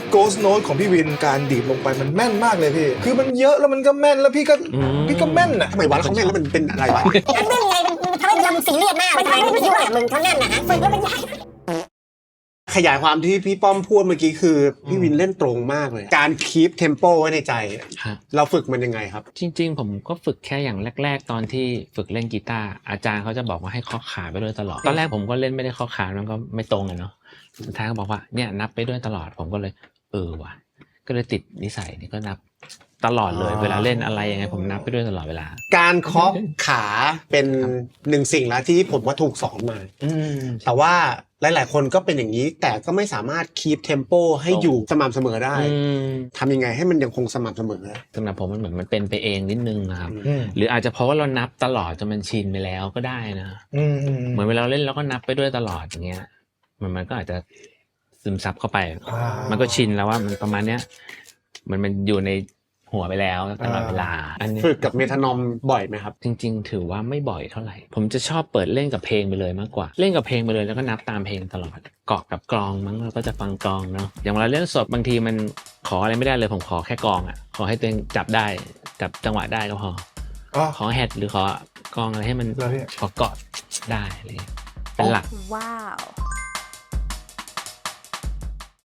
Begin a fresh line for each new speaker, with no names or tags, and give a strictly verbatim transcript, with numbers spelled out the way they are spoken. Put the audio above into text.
Ghost Note ของพี่วินการดีดลงไปมันแม่นมากเลยพี่คือมันเยอะแล้วมันก็แม่นแล้วพี่ก็พี่ก็แม่นอ่ะ
ทำไมวะแล้วเขาแม่นแล้วมันเป็นอะไรวะ
มันแน่นไงมันทำให้เราซีเรียสมากมันทำให้ไม่คิดว่ามึงเขาแน่นนะฮะฝึกแล้วมันยาก
ขยายความที่พี่ป้อมพูดเมื่อกี้คือพี่วินเล่นตรงมากเลยการคีปเทมโปไว้ในใจเราฝึกมันยังไงครับ
จริงๆผมก็ฝึกแค่อย่างแรกๆตอนที่ฝึกเล่นกีตาร์อาจารย์เขาจะบอกว่าให้เคาะขาไปด้วยตลอดตอนแรกผมก็เล่นไม่ได้เคาะขามันก็ไม่ตรงอะเนาะสุดท้ายเขาบอกว่าเนี่ยนับไปด้วยตลอดผมก็เลยเออว่ะก็เลยติดนิสัยนี่ก็นับตลอดเลยเวลาเล่นอะไรยังไงผมนับไปด้วยตลอดเวลา
การเคาะขาเป็นหนึ่งสิ่งแล้วที่ผมว่าถูกสอนมาแต่ว่าหลายๆคนก็เป็นอย่างนี้แต่ก็ไม่สามารถคีปเทมโปให้อยู่สม่ำเสมอได้ทำยังไงให้มันยังคงสม่ำเสมอ
สำหรับผมมันเหมือนมันเป็นไปเองนิดนึงนะครับหรืออาจจะเพราะว่าเรานับตลอดจนมันชินไปแล้วก็ได้นะเหมือนเวลาเล่นเราก็นับไปด้วยตลอดอย่างเงี้ยมันมันก็อาจจะซึมซับเข้าไปมันก็ชินแล้วว่ามันประมาณเนี้ยมันมันอยู่ในหัวไปแล้วตลอดเวลา
ฝึกกับเมทานอมบ่อยไหมครับ
จริงๆถือว่าไม่บ่อยเท่าไหร่ผมจะชอบเปิดเล่นกับเพลงไปเลยมากกว่าเล่นกับเพลงไปเลยแล้วก็นับตามเพลงตลอดเกาะกับกลองมั้งเราก็จะฟังกลองเนาะอย่างเวลาเล่นสดบางทีมันขออะไรไม่ได้เลยผมขอแค่กลองอ่ะขอให้ตัวเองจับได้จับจังหวะได้ก็พอขอแฮดหรือขอกลองอะไรให้มันขอเกาะได้เลยเป็นหลัก
ว้าว